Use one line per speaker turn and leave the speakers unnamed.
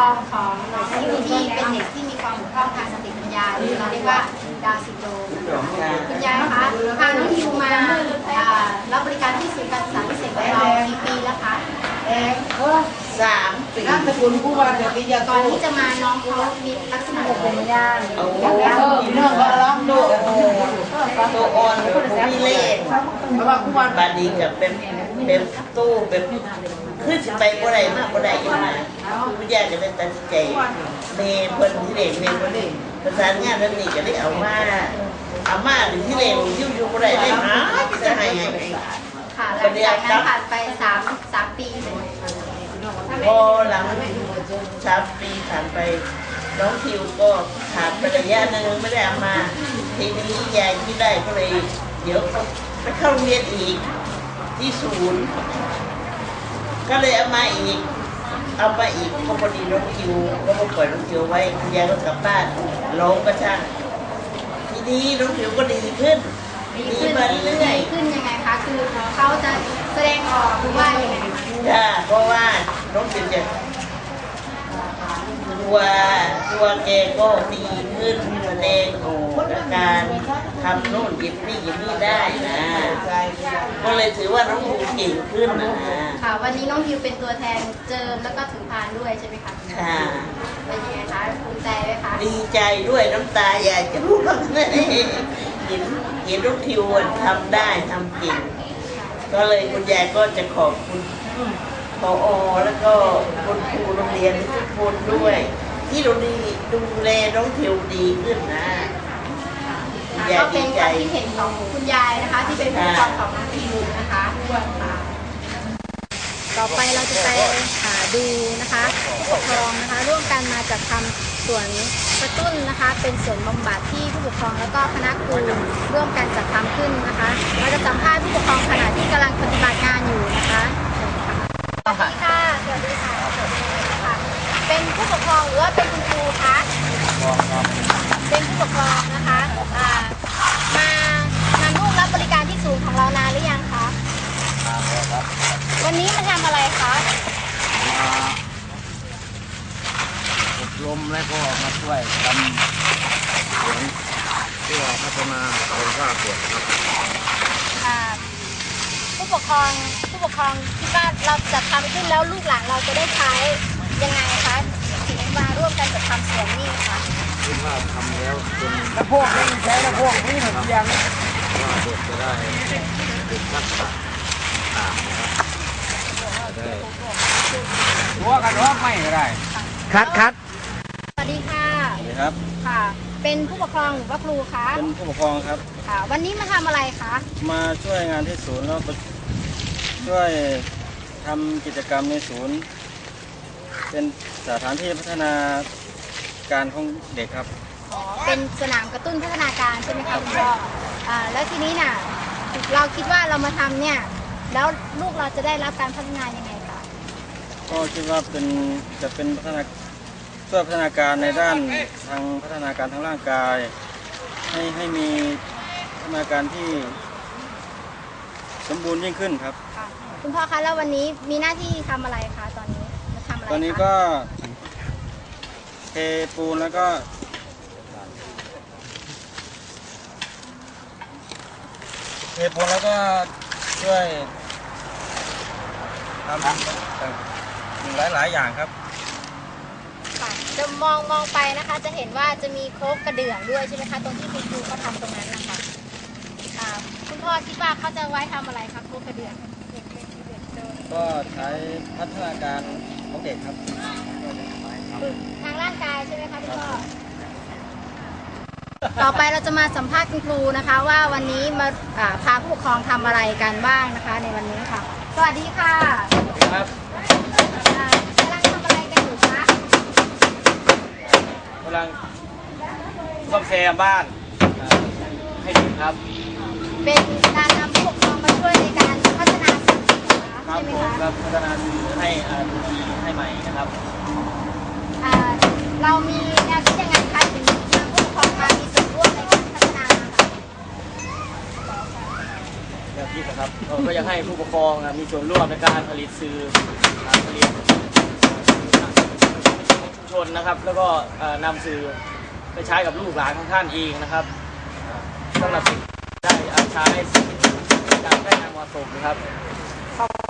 องของน้องทิวที่เป็นเด็กที่มีความบกพร่องทางสติปัญญาหรือเราเรียกว่าดาวน์ซินโดรมคุณยายคะพาน้องทิวมารับบริการที่ศูนย์การศึกษาพิเศษของเรากี่ปีแล้วคะ
3 ปี
นั่นตระกูลผู้ว่าจะมียา
ก่อนที่จะมาน้องเขามีลักษณะเป็นไม่ได้
โอ้เรื่องก็ร้องดูตัวอ่อนมีเล่ห์เพราะว่าผู้ว่าบาดีกับเป็นตู้เป็นขึ้นไปบ่ได้ยังไงผู้ใหญ่จะเป็นตัดใจเมย์เพิ่นที่เด็กเมย์คนนี้ประสานงานนั่นนี่ก็ได้เอามาหรือที่เด็กอยู่บ่ได้ได้หาจะให้
ค่ะหลังจากนั้นผ่านไป3 ปีเลย
พอหลัง3 ปีผ่านไปน้องทิวก็ขาดไประยะหนึ่งไม่ได้เอามาทีนี้ยายที่ได้ก็เลยเดี๋ยวไปเข้าโรงเรียนอีกที่ศูนย์ก็เลยเอามาอีกก็พอดีน้องทิวก็มาปล่อยน้องทิวไว้คุณยายก็กลับบ้านร้องก็ช่างทีนี้น้องทิวก็ดีขึ้นมาเรื่อย
ขึ้นยังไงคะคือเขาจะแสดงออกหรือว่าอย่างไร
เพราะว่าน้องทิวจะตัวแกก็ดีขึ้นแสดงออกอาการทำโน่นหยิบนี่ได้นะก็เลยถือว่าน้องทิวเก่งขึ้นนะ
ค่ะวันนี้น้องทิวเป็นตัวแทนเจิมแล้วก็ถือพานด้วยใช่ไหมคะ
ค่ะ
เป็นยังไงคะภูมิใจไหมคะ
ดีใจด้วยน้ำตาอยากจะรู้ว่าเห็นน้องทิวทำได้ทำเก่งก็เลยคุณยายก็จะขอบคุณผอ.แล้วก็คุณครูโรงเรียนทุกคนด้วยที่ดูแลน้องทิวดีขึ้นนะ
ก็เป็นความคิดเห็นของคุณยายนะคะที่เป็นผู้ปกครองของน้องทิวนะคะต่อไปเราจะไปดูนะคะผู้ปกครองนะคะร่วมกันมาจัดทำสวนกระตุ้นนะคะเป็นสวนบำบัดที่ผู้ปกครองแล้วก็คณะครูร่วมกันจัดทำขึ้นนะคะเราจะสัมภาษณ์ผู้ปกครองขณะที่กำลังปฏิบัติงานอยู่นะคะสวัสดีค่ะสวัสดีค่ะเป็นผู้ปกครองหรือว่าเป็นคุณครูคะเป็นผู้ปกครองนะคะมาร่วมรับบริการที่ศูนย์ของเรานานหรือยังคะวันนี้มาทำอะไรคะ
อบรมและก็มาช่วยทำสวนเพื่อพัฒนาคุณภาพเด็กครับ
ผู้ปกครองคิดว่าเราจะทำขึ้นแล้วลูกหลานเราจะได้ใช้ยังไงคะถึงมาร่วมกันจัดทำสวนนี่คะ
คิดว่าทำแล้วจน
แล้วพวกนี้ใช้แล้วพวกนี้เหมือนยัง
ว่าเด็กจะได้ติดทักษะต่างนะครับได้
หัวกันหัวไม่ก็ได้คัด
สวัสดีค่ะ
สวัสดีครับ
ค่ะเป็นผู้ปกครองหรือว่าครูคะ
เป็นผู้ปกครองครับ
ค่ะวันนี้มาทำอะไรคะ
มาช่วยงานที่ศูนย์แล้วช่วยทำกิจกรรมในศูนย์เป็นสถานที่พัฒนาการของเด็กครับ
เป็นสนามกระตุ้นพัฒนาการใช่ไหมคะคุณพ่อแล้วทีนี้น่ะเราคิดว่าเรามาทำเนี่ยแล้วลูกเราจะได้รับการพัฒนายังไงคะ
ก็คิดว่าจะเป็นช่วยพัฒนาการในด้านทางพัฒนาการทางร่างกายให้มีพัฒนาการที่สมบูรณ์ยิ่งขึ้นครับ
คุณพ่อคะแล้ววันนี้มีหน้าที่ทำอะไรคะตอนนี้มาทำอะไร
ตอนนี้ก็เทปูนแล้วก็ช่วยทำหลายอย่างครับ
จะมองไปนะคะจะเห็นว่าจะมีโคกกระเดื่องด้วยใช่ไหมคะตรงที่คุณครูเขาทำตรงนั้นนะคะคุณพ่อคิดว่าเขาจะไว้ทำอะไรคะโคกกระเดื่อง
ก็ใช้พัฒนาการของเด็กครับ
ทางร่างกายใช่ไหมคะคุณพ่อต่อไปเราจะมาสัมภาษณ์คุณครูนะคะว่าวันนี้มาพาผู้ปกครองทำอะไรกันบ้างนะคะในวันนี้ค่ะสวัสดีค่ะ
ครับ
กำลังทำอะไรกันอยู่คะ
กำลังซ่อมแซมบ้านให้เด็กครับ
เป็นการนำผู้ปกครองมาช่วยในการพัฒนาสื่อใช่ไหมคะ
ครับพัฒนาสื่อให้ดีให้ใหม่นะครับ
เรามีแนวคิดยังไงคะถึงนำผู้ปกครองมามีส่วนร่วมในการพัฒนา
แนวคิดนะครับก็อยากให้ผู้ปกครองมีส่วนร่วมในการผลิตสื่อผลิต
ชนนะครับ แล้วก็นำสื่อไปใช้กับลูกหลานของท่านเองนะครับสำหรับสิ่งได้ใช้อย่างได้อย่างเหมาะสมนะครับ